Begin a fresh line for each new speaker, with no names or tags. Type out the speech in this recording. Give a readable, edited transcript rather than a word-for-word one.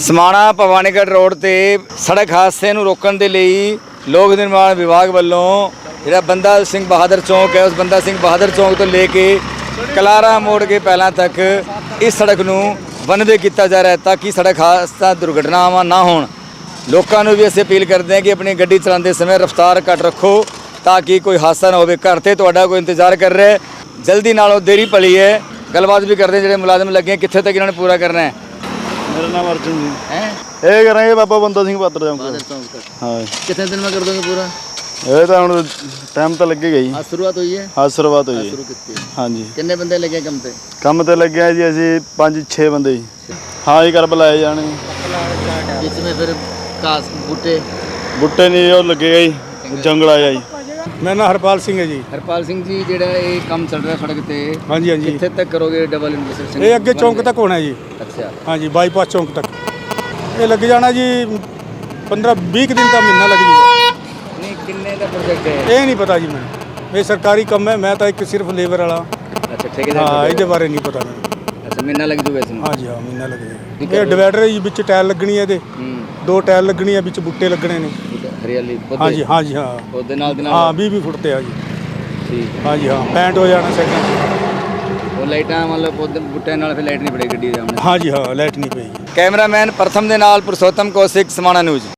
Samana Bhawanigarh road ਤੇ ਸੜਕ ਹਾਦਸੇ ਨੂੰ ਰੋਕਣ ਦੇ ਲਈ ਲੋਕ ਨਿਰਮਾਣ ਵਿਭਾਗ ਵੱਲੋਂ ਜਿਹੜਾ ਬੰਦਾ ਸਿੰਘ ਬਹਾਦਰ ਚੌਂਕ ਹੈ ਉਸ ਬੰਦਾ ਸਿੰਘ ਬਹਾਦਰ ਚੌਂਕ ਤੋਂ ਲੈ ਕੇ ਕਲਾਰਾ ਮੋੜ ਕੇ ਪਹਿਲਾਂ ਤੱਕ ਇਸ ਸੜਕ ਨੂੰ ਵਨਵੇ ਕੀਤਾ ਜਾ ਰਿਹਾ ਹੈ ਤਾਂ ਕਿ ਸੜਕ ਹਾਦਸਾ ਦੁਰਘਟਨਾਵਾਂ ਨਾ ਹੋਣ। ਲੋਕਾਂ ਨੂੰ ਵੀ ਅਸੀਂ ਅਪੀਲ ਕਰਦੇ ਹਾਂ ਕਿ ਆਪਣੀ ਗੱਡੀ ਚਲਾਉਂਦੇ ਸਮੇਂ ਰਫ਼ਤਾਰ ਘੱਟ ਰੱਖੋ ਤਾਂ ਕਿ ਕੋਈ ਹਾਦਸਾ ਨਾ ਹੋਵੇ। ਘਰ ਤੇ ਤੁਹਾਡਾ ਕੋਈ ਇੰਤਜ਼ਾਰ ਕਰ ਰਿਹਾ ਹੈ, ਜਲਦੀ ਨਾਲੋਂ ਦੇਰੀ ਪਲੀ ਹੈ। ਗੱਲਬਾਤ ਵੀ ਕਰਦੇ ਜਿਹੜੇ ਮੁਲਾਜ਼ਮ ਲੱਗੇ ਕਿੱਥੇ ਤੱਕ ਇਹਨਾਂ ਨੇ ਪੂਰਾ ਕਰਨਾ ਹੈ।
मेरा नाम अर्जुन जी
हैं
ये करेंगे बाबा बंदा सिंह पात्र जाऊंगा हाँ
कितने दिन में कर दोगे पूरा?
ये तो हम टाइम तो लगेगा ही
आज शुरुआत हुई है?
हाँ शुरुआत हुई
शुरू कितनी?
हाँ जी
कितने बंदे लगे कम पे?
ਕੰਮ ਤੇ ਲੱਗੇ ਆ ਜੀ ਅਸੀਂ 5-6 ਬੰਦੇ ਜੀ ਹਾਂ ਜੀ ਕਰ ਬੁਲਾਏ ਜਾਣੇ
इसमें फिर घास बूटे
ਬੁੱਟੇ ਨਹੀਂ ਉਹ ਲੱਗੇਗਾ ਜੀ ਜੰਗਲ ਆਇਆ ਜੀ
ਮੇਰਾ ਨਾਮ ਹਰਪਾਲ ਸਿੰਘ ਹੈ ਜੀ।
ਹਰਪਾਲ ਸਿੰਘ ਜੀ ਜਿਹੜਾ ਇਹ ਕੰਮ ਚੱਲ ਰਿਹਾ ਸੜਕ ਤੇ
ਹਾਂਜੀ ਹਾਂਜੀ,
ਕਿੱਥੇ ਤੱਕ ਕਰੋਗੇ ਡਬਲ ਇੰਟਰਸੈਕਸ਼ਨ?
ਇਹ ਅੱਗੇ ਚੌਂਕ ਤੱਕ ਹੋਣਾ ਜੀ।
ਅੱਛਾ
ਹਾਂਜੀ ਬਾਈਪਾਸ ਚੌਂਕ ਤੱਕ ਇਹ ਲੱਗ ਜਾਣਾ ਜੀ 15-20 ਦਿਨ ਦਾ ਮਹੀਨਾ ਲੱਗ ਜੂਗਾ।
ਨਹੀਂ ਕਿੰਨੇ ਦਾ ਪ੍ਰੋਜੈਕਟ ਹੈ?
ਇਹ ਨਹੀਂ ਪਤਾ ਜੀ ਮੈਨੂੰ, ਇਹ ਸਰਕਾਰੀ ਕੰਮ ਹੈ, ਮੈਂ ਤਾਂ ਇੱਕ ਸਿਰਫ ਲੇਬਰ ਵਾਲਾ।
ਅੱਛਾ ਠੇਕੇਦਾਰ
ਹਾਂ ਇਹਦੇ ਬਾਰੇ ਨਹੀਂ ਪਤਾ ਮੈਨੂੰ।
ਅੱਛਾ ਮਹੀਨਾ ਲੱਗ ਜੂਗਾ ਇਸ ਨੂੰ?
ਹਾਂਜੀ ਹਾਂ ਮਹੀਨਾ ਲੱਗ ਜਾਏਗਾ। ਇਹ ਡਿਵਾਈਡਰ ਹੈ ਜੀ, ਵਿੱਚ ਟਾਇਲ ਲੱਗਣੀ ਹੈ ਇਹਦੇ, 2 ਟਾਇਲ ਲੱਗਣੀ ਹੈ, ਵਿੱਚ ਬੁੱਟੇ ਲੱਗਣੇ ਨੇ।
ਹਰਿਆਲੀ
ਹਾਂਜੀ ਹਾਂਜੀ ਹਾਂ
ਉਹਦੇ ਨਾਲ ਦੇ
ਹਾਂ
ਨਾਲ
20 ਫੁੱਟ ਤੇ ਆ ਜੀ।
ਠੀਕ ਹੈ।
ਹਾਂਜੀ ਹਾਂ ਪੈਂਟ ਹੋ ਜਾਣਾ ਸੈਕਿੰਡ।
ਉਹ ਲਾਈਟਾਂ ਮਤਲਬ ਉਹਦੇ ਬੂਟਿਆਂ ਨਾਲ ਫਿਰ ਲਾਈਟ ਨਹੀਂ ਪੜੇਗੀ ਗੱਡੀ ਦੇ ਸਾਹਮਣੇ?
ਹਾਂਜੀ ਹਾਂ ਲਾਈਟ ਨਹੀਂ ਪਏਗੀ।
ਕੈਮਰਾਮੈਨ ਪ੍ਰਥਮ ਦੇ ਨਾਲ ਪੁਰਸ਼ੋਤਮ ਕੌਸ਼ਿਕ, ਸਮਾਣਾ ਨਿਊਜ਼।